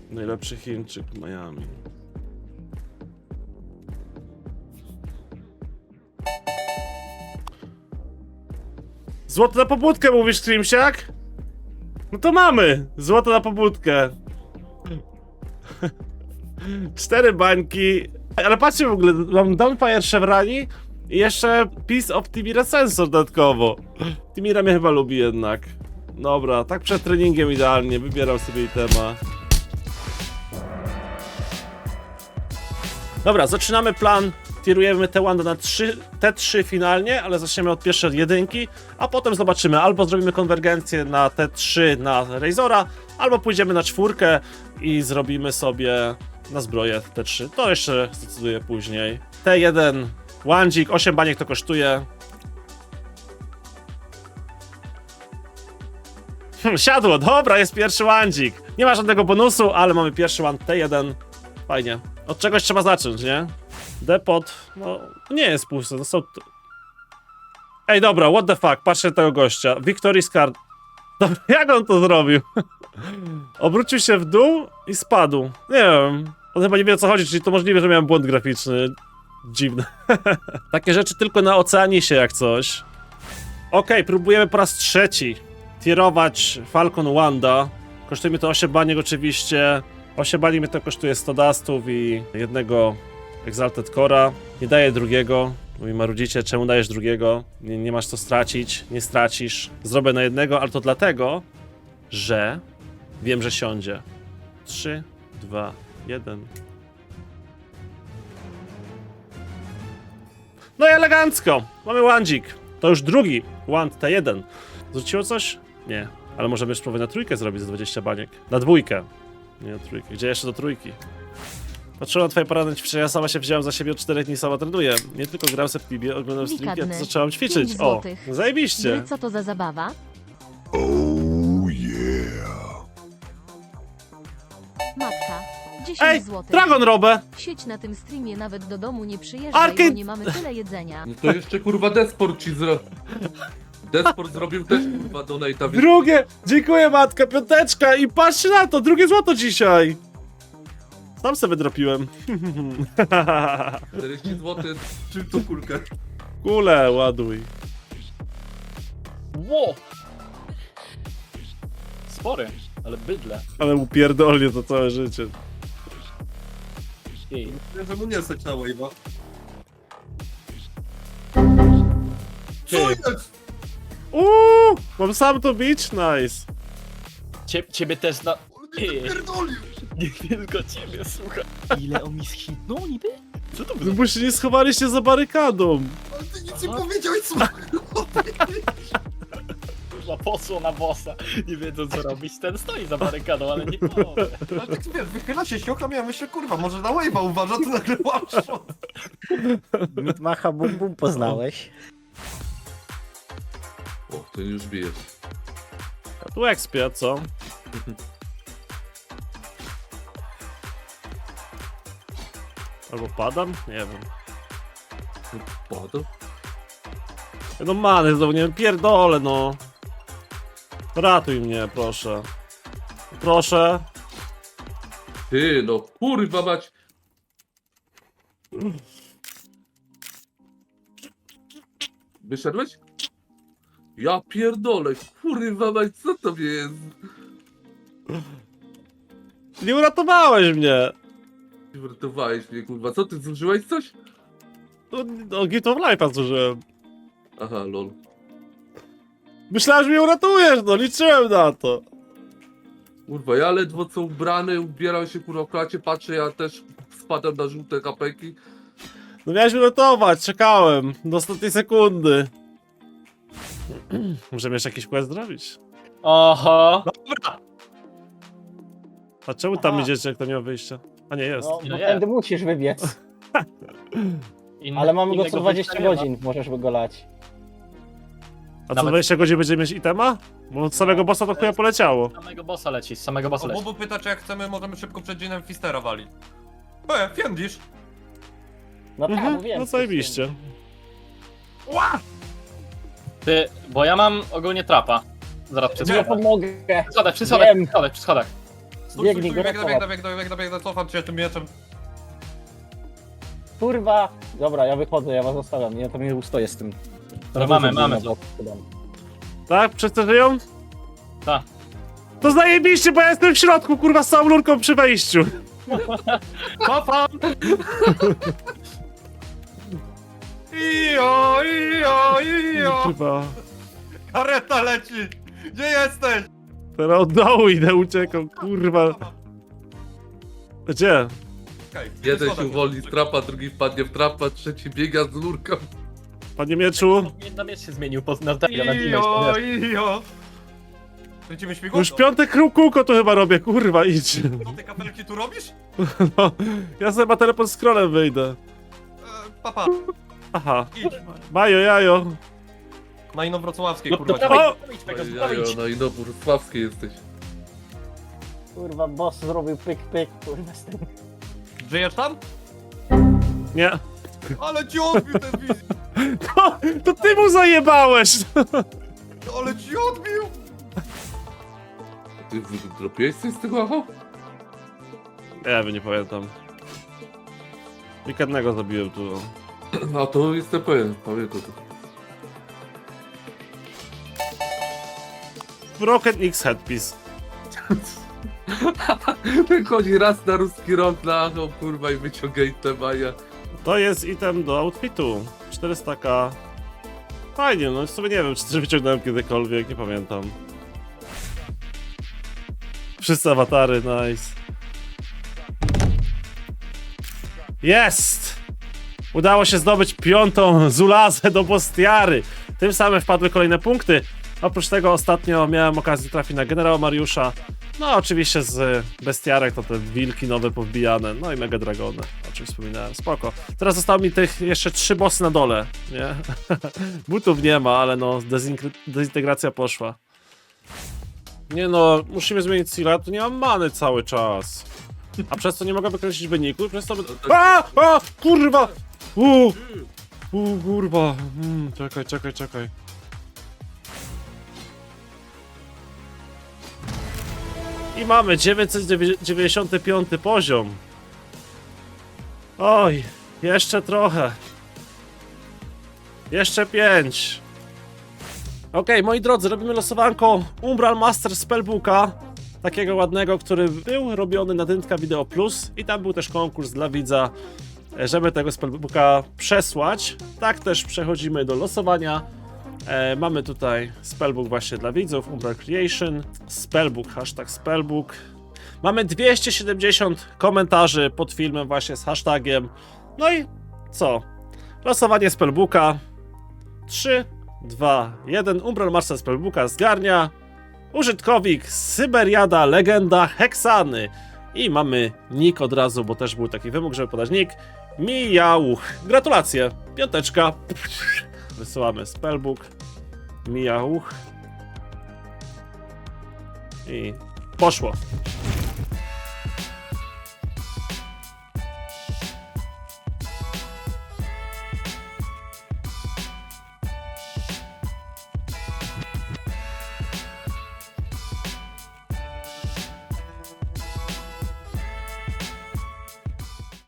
Najlepszy Chińczyk w Miami. Złoto na pobudkę mówisz, Trimsiak? No to mamy! Złoto na pobudkę. 4 bańki. Ale patrzcie w ogóle, mam Downfire Chevrani i jeszcze Piece of Timira Sensor dodatkowo. Timira mnie chyba lubi jednak. Dobra, tak przed treningiem idealnie, wybieram sobie itema. Dobra, zaczynamy plan. Tierujemy te Wanda na T3 finalnie, ale zaczniemy od pierwszej jedynki, a potem zobaczymy, albo zrobimy konwergencję na T3 na Razora, albo pójdziemy na 4 i zrobimy sobie na zbroję T3. To jeszcze zdecyduję później. T1, Wandzik, 8 baniek to kosztuje. Siadło, dobra, jest pierwszy Wandzik. Nie ma żadnego bonusu, ale mamy pierwszy Wand T1. Fajnie. Od czegoś trzeba zacząć, nie? Depot, no nie jest pusty, no są... Ej, dobra, what the fuck, patrzcie na tego gościa. Victory's Card. Dobra, jak on to zrobił? Obrócił się w dół i spadł. Nie wiem. On chyba nie wie, o co chodzi, czyli to możliwe, że miałem błąd graficzny. Dziwne. Takie rzeczy tylko na Oceanisie jak coś. Okej, próbujemy po raz trzeci tierować Falcon Wanda. Kosztuje mi to 8 baniek oczywiście. 8 baniek mi to kosztuje 100 dustów i jednego Exalted Cora. Nie daję drugiego. Mówi marudzicie, czemu dajesz drugiego? Nie masz co stracić, nie stracisz. Zrobię na jednego, ale to dlatego, że wiem, że siądzie. 3, 2, 1. No i elegancko! Mamy Wandzik. To już drugi Wand T1. Zwróciło coś? Nie. Ale możemy już spróbować na trójkę zrobić za 20 baniek. Na dwójkę. Nie na trójkę. Gdzie jeszcze do trójki? Patrzyłem na twoje poradne ćwiczenia, ja sama się wziąłem za siebie od 4 dni, sama trenuję. Nie tylko gram se w Tibie, oglądam streamki, a to zaczęłam ćwiczyć. 5 O, złotych. zajebiście. Gry, co to za zabawa? Oh yeah. Matka. 10 Ej, złotych. Dragon Robę! Sieć na tym streamie nawet do domu nie przyjeżdżaj, Arcade- bo nie mamy tyle jedzenia. No to jeszcze kurwa Desport ci zrobił. Desport zrobił też kurwa donate'a, więc Drugie! Dziękuję matka, piąteczka i patrzcie na to, drugie złoto dzisiaj! Sam sobie dropiłem. 40 zł. Czym to kulkę? Kule, ładuj. Ło! Spory, ale bydle. Ale upierdolnie to całe życie. Ej, Że mu nie stać na wave'a. Ty. Co jest? Mam sam to bić? Nice. ciebie też na... Ej, Pierdolił! nie tylko ciebie, słuchaj. Ile on mi schitnął niby? Co to No było? bo się nie schowaliście za barykadą. Ale ty nic nie powiedziałeś, co? Kurwa, posło na bossa. Nie wiedzą co robić, ten stoi za barykadą, ale nie powie. Ale tak wiesz, wychyla się siocha, ja myślę, kurwa, może na wave'a uważa, to nagle one-shot. Mitmacha Bum Bum poznałeś? O, ten już bijesz. A tu expia, co? Albo padam? Nie wiem. Padł? No many, znowu nie wiem, pierdolę no. Ratuj mnie, proszę. Proszę. Ty, no kurwa mać. Wyszedłeś? Ja pierdolę, kurwa mać, co to jest? Nie uratowałeś mnie. Wyratowałeś mnie, kurwa, co ty, zużyłeś coś? No, Gift of Life'a zużyłem. Aha, lol. Myślałem, że mnie uratujesz, no liczyłem na to. Kurwa, ja ledwo co ubrany, ubieram się kurwa w klacie, patrzę, ja też spadam na żółte kapeki. No miałeś mnie uratować, czekałem. Do ostatniej sekundy. Możemy jeszcze jakiś quest zrobić? Oho! A czemu tam Aha. idziecie, jak to nie ma wyjścia? A nie, jest. No, No bo nie. tędy musisz wybiec. Ale mamy go co 20 godzin, możesz go lać. A co Nawet- 20 godzin będziemy mieć itema? Bo od samego bossa to chuja poleciało. Z samego bossa leci, z samego bossa leci. Bobu pyta, czy jak chcemy, możemy szybko przed dzienem Fistera walić. Fiendisz! No tak, mówiłem. No zajebiście. Ty, bo ja mam ogólnie trapa. Zaraz przy Nie schodach. pomogę. Przy schodach, przy schodach, Wiem. przy schodach, przy schodach. Biegnij go Biegnę, cofam cię tym mieczem. Kurwa! Dobra, ja wychodzę, ja was zostawiam. Ja tam nie ustoję z tym. Dobra, mamy to. Tak? Wszyscy żyją? Tak. To zajebiście, bo ja jestem w środku, kurwa, z całą lurką przy wejściu. Cofam! Ijo, ijo, ijo! Chyba. Kareta leci! Gdzie jesteś? Teraz od dołu idę, uciekam, kurwa. Gdzie? Okej, Jeden schodach się uwolni z trapa, drugi wpadnie w trapa, trzeci biega z lurką. Panie mieczu? Na miecz się zmienił na tego, na Ijo, ijo! Kręcimy śmigło? Już piąte kółko tu chyba robię, kurwa, idź. Co ty kapelki tu robisz? No, ja sobie ma teleport scrollem wyjdę. Papa, Aha. idź. Bajo, jajo. Na Inowrocławskiej, No, kurwa. to dawaj, O! idź, Pegasus, dawaj, Jajo, idź. no i no, Wrocławskiej jesteś. Kurwa, boss zrobił pyk pyk, kurwa z tym. Żyjesz tam? Nie. Ale ci odbił ten wizję! To ty mu zajebałeś! Ale ci odbił! Ty dropiłeś coś z tego, aha? Ja bym nie pamiętam. Weekendnego zabiłem tu. A to jestem pewien, pamiętam to. Broken X headpiece. Ten chodzi raz na ruski rok na achą, kurwa, i wyciągaj te maja. To jest item do outfitu. 400k. Fajnie, no w sumie nie wiem, czy wyciągnąłem kiedykolwiek, nie pamiętam. Wszyscy awatary, nice. Jest! Udało się zdobyć 5. Zulazę do Bostiary. Tym samym wpadły kolejne punkty. Oprócz tego ostatnio miałem okazję trafić na generała Mariusza. No oczywiście z bestiarek to te wilki nowe powbijane. No i mega dragony, o czym wspominałem. Spoko. Teraz zostało mi tych jeszcze 3 bossy na dole, nie? Butów nie ma, ale no dezintegracja poszła. Nie no, musimy zmienić Sila, tu nie mam many cały czas. A przez co nie mogę wykreślić wyniku, przez to... A! Kurwa! Kurwa. Czekaj. I mamy 995 poziom. Oj, jeszcze trochę. Jeszcze 5. Okej, moi drodzy, robimy losowanko Umbral Master Spellbooka. Takiego ładnego, który był robiony na Dyntka Video Plus. I tam był też konkurs dla widza, żeby tego Spellbooka przesłać. Tak też przechodzimy do losowania. Mamy tutaj spellbook właśnie dla widzów, Umbral Creation, spellbook, hashtag spellbook. Mamy 270 komentarzy pod filmem właśnie z hashtagiem. No i co? Losowanie spellbooka. 3, 2, 1. Umbral Master Spellbooka zgarnia użytkownik Syberiada Legenda Heksany. I mamy nick od razu, bo też był taki wymóg, żeby podać nick. Mijauch. Gratulacje. 5. Wysyłamy spellbook. Mijauch. I poszło.